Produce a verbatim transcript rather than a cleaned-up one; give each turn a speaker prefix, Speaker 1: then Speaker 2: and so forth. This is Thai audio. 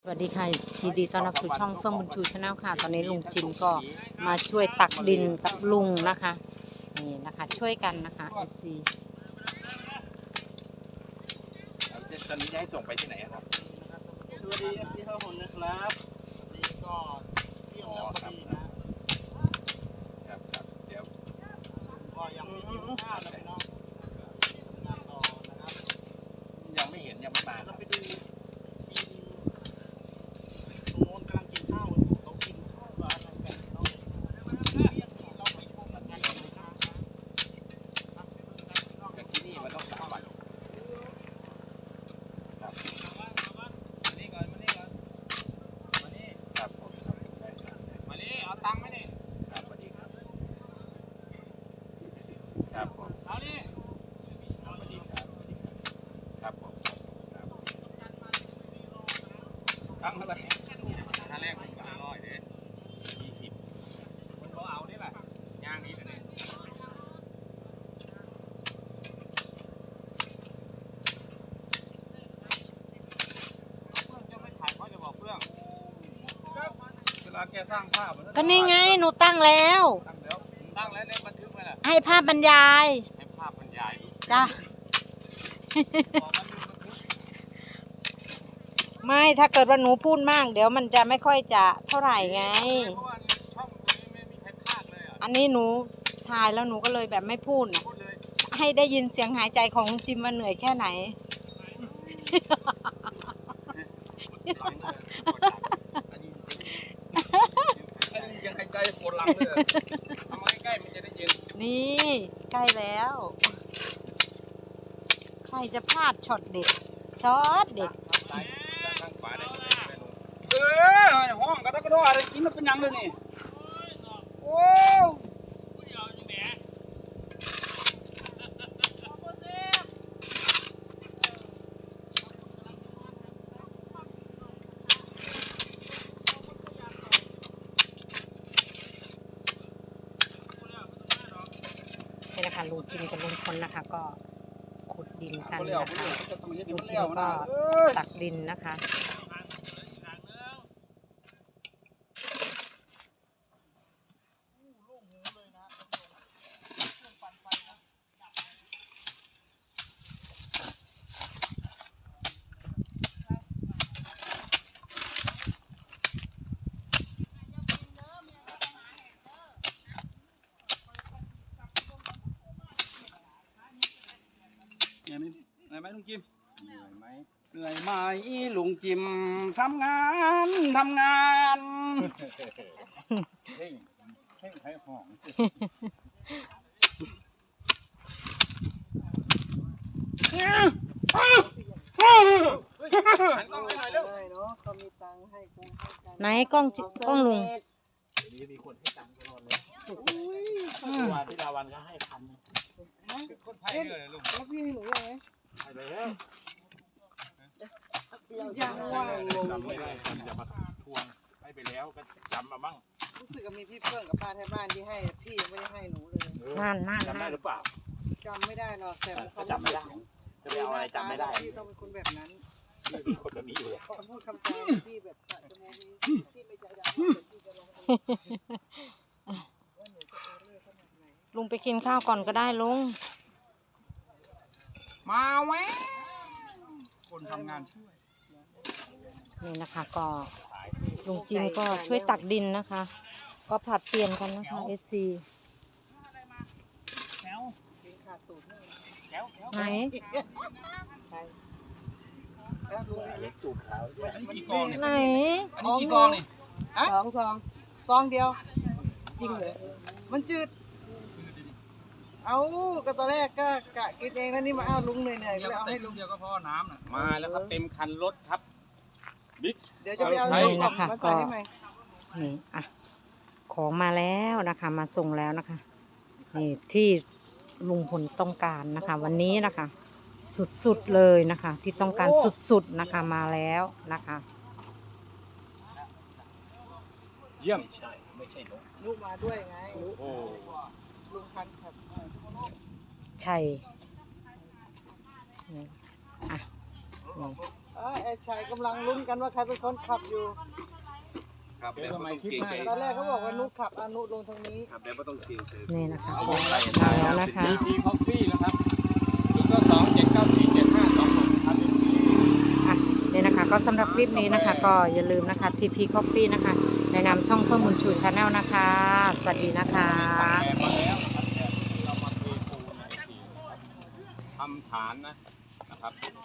Speaker 1: วัสดีค่ะยินดีต้อนรับสู่ช่องเฟื่องบุญชูชาแนลค่ะตอนนี้ลุงจิมก็มาช่วยตักดินกับลุงนะคะนี่นะคะช่วยกันนะคะเอฟซี
Speaker 2: ตอนนี้จะให้ส่งไปที่ไหนครับ
Speaker 3: สวัสดีเอฟซีข้าวหนนะครับนี่ก็เที่ยวแล้วพอดีนะครับ
Speaker 2: ครับเดี๋ยว
Speaker 3: ก็ยังไม่กินข้าวเลยเนาะงานต่อนะครับ
Speaker 2: ยังไม่เห็นยังไม่มา
Speaker 3: เราไปดูตรงโน้นกำลังกินข้าวอยู่เขากินข้าวอะไรกันเนาะเราไปพบกันงานต่อนะครับ
Speaker 2: แต่ที่นี่มันต้องสามวันครับมานี่ก่อนมานี่ก่อนมานี่ครับผมได้ครับ
Speaker 3: มานี่เอาตังค์ไหมนี่
Speaker 2: ครับสวัสดีครับครับผม
Speaker 3: เอานี่
Speaker 2: สวัสดีครับครับผมครับ
Speaker 3: ตังค์อะไรค่าแรกผมสามร้อยเด้ยี่สิบมันก็เอาได้แหละย่างนี้เลยเนี่ยเวลาแกสร้างภาพ
Speaker 1: ก็นี่ไงหนูตั้งแล้ว
Speaker 3: ตั้งแล้วตั้งแล้วเล่นบันทึกไหมล่ะ
Speaker 1: ให้ภาพบรรยาย
Speaker 3: ให้ภาพบรรยาย
Speaker 1: จ้ะ ไม่ถ้าเกิดว่าหนูพูดมากเดี๋ยวมันจะไม่ค่อยจะเท่าไหร่ไง
Speaker 3: เพราะว่าช่องนี้ไม่มีใครพากเลยอ่ะ
Speaker 1: อันนี้หนูถ่ายแล้วหนูก็เลยแบบไม่พูดนะ
Speaker 3: พูดเลย
Speaker 1: ให้ได้ยินเสียงหายใจของลุงจิมว่าเหนื่อยแค่ไหน
Speaker 3: อันนี้เสียงหายใจปวดหลังเลยทำมาใกล้ๆมันจะได้ยิน
Speaker 1: นี่ใกล้แล้ว ใครจะพลาดช็อตเด็ดช็อตเด็ด
Speaker 3: ซ้ายข้างขวาได้ไหมเออห้องกระดกกระดกอะไรกินมันเป็นยังเลยนี่โอ้
Speaker 1: นี่นะคะลุงจิมกับลุงพลนะคะ ก็ขุดดินกัน
Speaker 3: เลี้ยว
Speaker 1: นะคะ
Speaker 3: จะต้องเห็น
Speaker 1: ลุง
Speaker 3: มัน
Speaker 1: จิ
Speaker 3: เลี้ย
Speaker 1: ม
Speaker 3: ว
Speaker 1: ก็
Speaker 3: นะ
Speaker 1: ตักดินนะคะ
Speaker 3: เหนื่อยไหมเหนื่อยไหมลุงจิมเหนื่อยไหมเหนื่อยไหมลุงจิมทำงานทำงานเฮ้ยเฮ้ยให้ห้องหันกล้องไปหน่อยเร็ว
Speaker 1: ไหนกล้องจิกล้องลุง
Speaker 2: นี่มีคนให้ตังค์ตลอดเลยวันที่ลาวันก็ให้พัน
Speaker 3: คนไทยเลยลุง
Speaker 4: แล้วพี่ให้หนูยังไง
Speaker 2: ให้ไปแล้ว
Speaker 4: ยังว่างงง
Speaker 2: จำไม่ได้คนจะมาทวงให้ไปแล้วก็จำมาบ้าง
Speaker 4: รู้สึกว่ามีพี่เพื่อนกับป้าแถวบ้านที่ให้พี่ยังไม่ได้ให้หนูเลย
Speaker 1: นั่นนั่น
Speaker 2: จำได้
Speaker 1: นั่น
Speaker 2: หรือเปล่า
Speaker 4: จำไม่ได้หรอกแต่
Speaker 2: ก็จำไม่ได้จะไปเอาอะไรจำไม่ได้
Speaker 4: พี่ต้องเป็นคนแบบนั้น
Speaker 2: มีคนแบบนี้อยู่แล้ว
Speaker 4: คำพูดคำจาพี่แบบจะโมนี้พี่ไม่ใจดำพี่จะลงว่าหนูจะเอเล่ขนาดไหน
Speaker 1: ลุงไปกินข้าวก่อนก็ได้ลุง
Speaker 3: มาแวะคนทำงานช่วย
Speaker 1: นี่นะคะก็ลุงจิมก็ช่วยตักดินนะคะ ก็ผลัดเปลี่ยนกันนะคะ เอฟ ซี
Speaker 3: แถว
Speaker 4: กินขาดตูดเลย
Speaker 3: แถวแถว
Speaker 1: ไหน
Speaker 4: ไปแล้วรู้
Speaker 2: เล็กตูดขาว
Speaker 3: อันนี้กี่กองเนี่ย
Speaker 1: ไหน
Speaker 3: อันนี้กี่กองนี่
Speaker 4: อะสองซองซองเดียวจริงเหรอมันจืด เอาก็ตอนแรกก็กะกินเองแล้วนี่มาเอาลุงเหนื่อยๆก็
Speaker 3: เดียว
Speaker 4: เลย
Speaker 3: ก็
Speaker 4: เอา
Speaker 3: ใส่
Speaker 4: ให้
Speaker 3: ลู
Speaker 4: ลุ
Speaker 3: ก
Speaker 4: ง
Speaker 3: เดียวก็พอน้ำน่ะมาแล้วครับเต็มคันรถครับบิ๊ก
Speaker 4: เดี๋ยวจะไปเอา
Speaker 1: นี่
Speaker 4: ลูกกล่อง
Speaker 1: นะคะ
Speaker 4: มา
Speaker 1: ก็
Speaker 4: ใส่ให้ใหม่
Speaker 1: นี่อ่ะของมาแล้วนะคะ มาส่งแล้วนะคะนี่ที่ลุงพลต้องการนะคะ วันนี้นะคะ สุดๆเลยนะคะ ที่ต้องการสุดๆนะคะมาแล้วนะคะ
Speaker 3: เยี่ยม
Speaker 2: ไม่ใช่ไม่ใช่นก
Speaker 4: ลูกมาด้วยไง
Speaker 2: โอ้
Speaker 4: ลุงพันธุ์ครับ
Speaker 1: ใช่นี่อ่ะนี่
Speaker 2: อ
Speaker 4: อ่าไอ้ชายกำลังลุ้นกันว่าใครเป็นคนขับอยู่
Speaker 3: ครับแบบไม่ต้องเกรงใจ
Speaker 4: ตอนแรกเขาบอกว่านุขับอานุลงทางนี้
Speaker 3: ครับแบบไม่ต้องเกรงใจ
Speaker 1: นี่นะคะ
Speaker 2: เอาวงอะไร
Speaker 1: มาแล้วนะคะ
Speaker 2: ทีพีคอฟฟี่นะครับศูนย์เก้าสองเจ็ดเก้าสี่เจ็ดห้าสองหกครับ
Speaker 1: อ่ะนี่นะคะก็สำหรับคลิปนี้นะคะ ก็อย่าลืมนะคะ ที พี Coffee นะคะในนามช่องเพิ่มบุญชูชาแนลนะคะ สวัสดีนะคะ
Speaker 2: สั่งแอร์มาแล้วนะครับแต่เรามาเทปูนในทีนะครับทำฐานนะนะครับ